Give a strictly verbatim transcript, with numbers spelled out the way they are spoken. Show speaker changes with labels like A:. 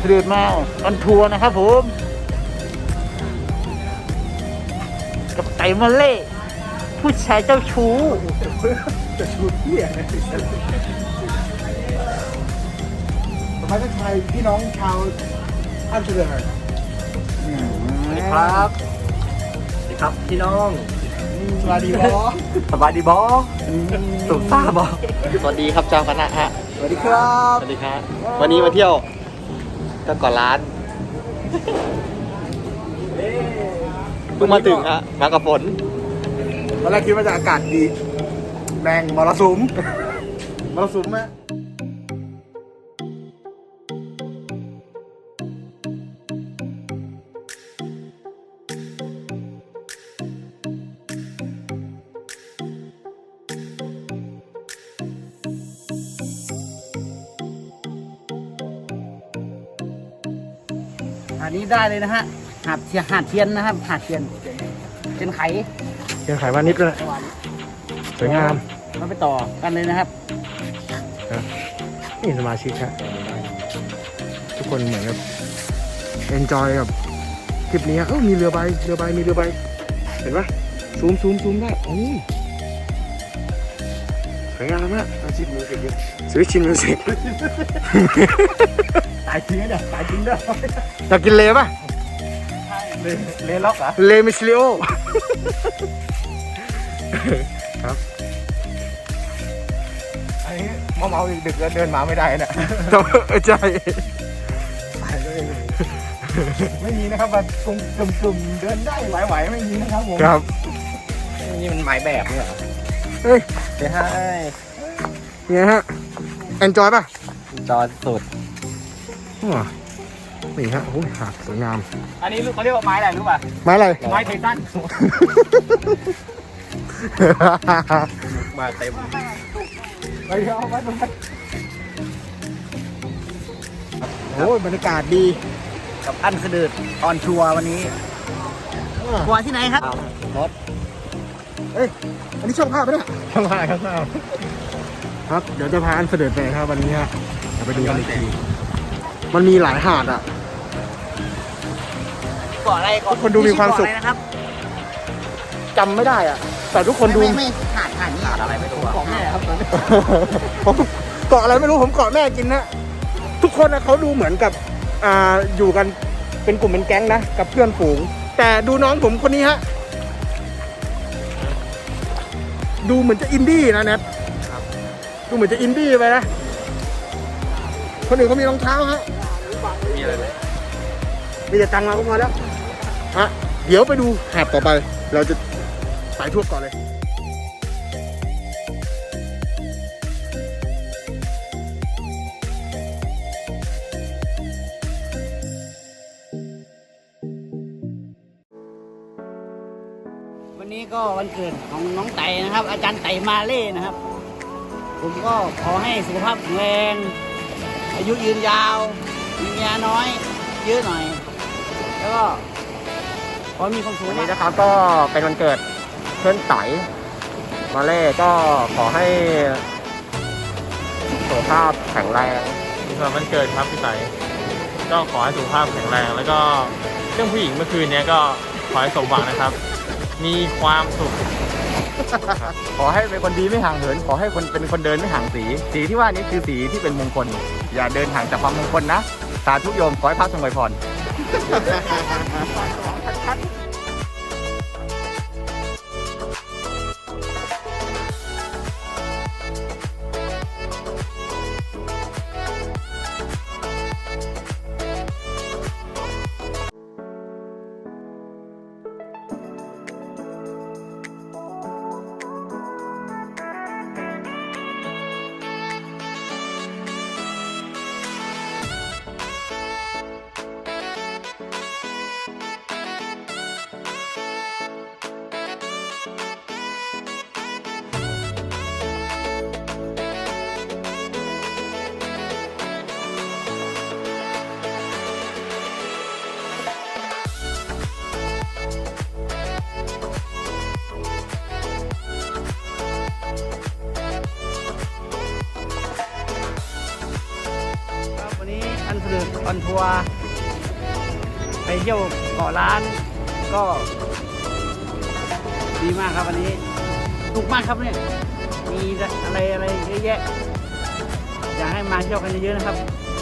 A: เสด็จมาออนทัวร์นะครับผมกับไก่มาเล่ผู้ชายเจ้าชู้
B: จะชูเที่ยนะต่อไปก็ชายพี่น้องชาวอันเสด็จ
C: สวัสดีครับสวัสดีครับพี่น้อง
B: สวัสดีบอ
C: สบายดีบอสุขทราบบอ
A: สวัสดีครับเจ้าคณะฮะ
B: สวัสดีครับ
C: สวัสดีครับวันนี้มาเที่ยวก็ก่อนร้านเพิ่งมาถึงฮะมากับฝน
B: ตอนแรกคิดว่าจะอากาศดีแมงมรสุมมรสุมไหม
A: อันนี้ได้เลยนะฮะหาดเทียนหาดเทียนนะครับหาดเทียนเทียนไข
B: ยังขายมานิดเลยสวยงาม
A: มาไปต่อกันเลยนะครับ
B: นี่สมาชิกฮะทุกคนเหมือนกับเอนจอยกับคลิปนี้เออมีเรือใบเรือใบมีเรือใบเห็นปะซูมซูมซูมได้โอ้ยสวยงามมากอาชีพมิวสิกสวิตชินมิวสิก
A: ตายจริงเนี่ยตายจริงด้วย
B: อยากกินเลป่ะ
A: เลเลล็อกเหรอ
B: เลมิสลิโอครับอันนี้เมาเมาดึกๆแล้วเดินมาไม่ได้นะใช่ไม่มีนะครับว่ากลุ่มกลุ่มกลุ่มเดินได้ไหวๆไม่มีนะครับผมครับ
C: นี่มันหมายแบบเนี่ยเหรอ
B: เฮ้ย
C: เดี๋ยวให้
B: เนี่ยฮะเอนจอยป่ะ
C: จอสุด
B: ว้านี่ฮะโอ้ยหาดสวยงาม
A: อันนี้เขาเรียกว่าไม้อะไรรู้ป่ะ
B: ไม้อะไร
A: ไม้ไททัน
C: มาเต็ม
B: ไปเอาไว้ตรงนั้นโอ้ยบรรยากาศดี
A: กับอันเสด็จออนทัวร์วันนี้ทัวร์ที่ไหนครับ
C: รถ
B: เอ้ยอันนี้ช่องภาพไหมเนี่ย
C: ข้างล่างข้างล่าง
B: ครับเดี๋ยวจะพาอันเสด็จไปครับวันนี้ฮะเดี๋ยวไปดูกันอีกทีมันมีหลายหาดอ่ะ
A: เกาะอะไรเกาะ
B: ทุกคนดูมีความสุข
A: เกะอะไรนะครับ
B: จำไม่ได้อ่ะ แต่ทุกคนดู
A: ไม่ไม่หาดหาดนี่
C: ขาดอะไรไม่รู้อะ
A: ของแม่ครับตอนนี้
B: ผมเกาะอะไรไม่รู้ผมเกาะแม่กินนะทุกคนนะเขาดูเหมือนกับอ่าอยู่กันเป็นกลุ่มเป็นแก๊งนะกับเพื่อนฝูง แต่ดูน้องผมคนนี้ฮะดูเหมือนจะอินดี้นะแนทดูเหมือนจะอินดี้ไปนะคนอื่นเขามีรองเท้าฮะ
C: มีอะไรไหม
B: มีแต่ตังค์มาก็พอแล้วฮะเดี๋ยวไปดูหาดต่อไป เราจะไปทั่วเก่อนเลย
A: วันนี้ก็วันเกิดของน้องไต่นะครับ อาจารย์ไต่มาเล่นะครับ ผมก็ขอให้สุขภาพแข็งแรงอายุยืนยาวมีเมียน้อยเยอะหน่อย แล้วก็ขอให้มีความสุข
C: วัน
A: มา
C: นี้
A: ก
C: นะครับก็เป็นวันเกิดเพื่อนไตมาเล่ก็ขอให้สุขภาพแข็งแรง
D: สำหรับวันเกิดครับพี่ไตก็ขอให้สุขภาพแข็งแรง แล้วก็เรื่องผู้หญิงเมื่อคืนนี้ก็ขอให้สมหวังนะครับ มีความสุข
C: ขอให้เป็นคนดีไม่ห่างเหิน ขอให้คนเป็นคนเดินไม่ห่างสี สีที่ว่านี้คือสีที่เป็นมงคล อย่าเดินห่างจากความมงคลนะ สาธุโยมขอให้พระทรงไวยพร
E: 「
A: ดึกออนทัวร์ไปเที่ยวเกาะล้านก็ดีมากครับวันนี้สนุกมากครับเนี่ยมีอะไรอะไรเยอะแยะอยากให้มาเที่ยวกันเยอะๆนะครับ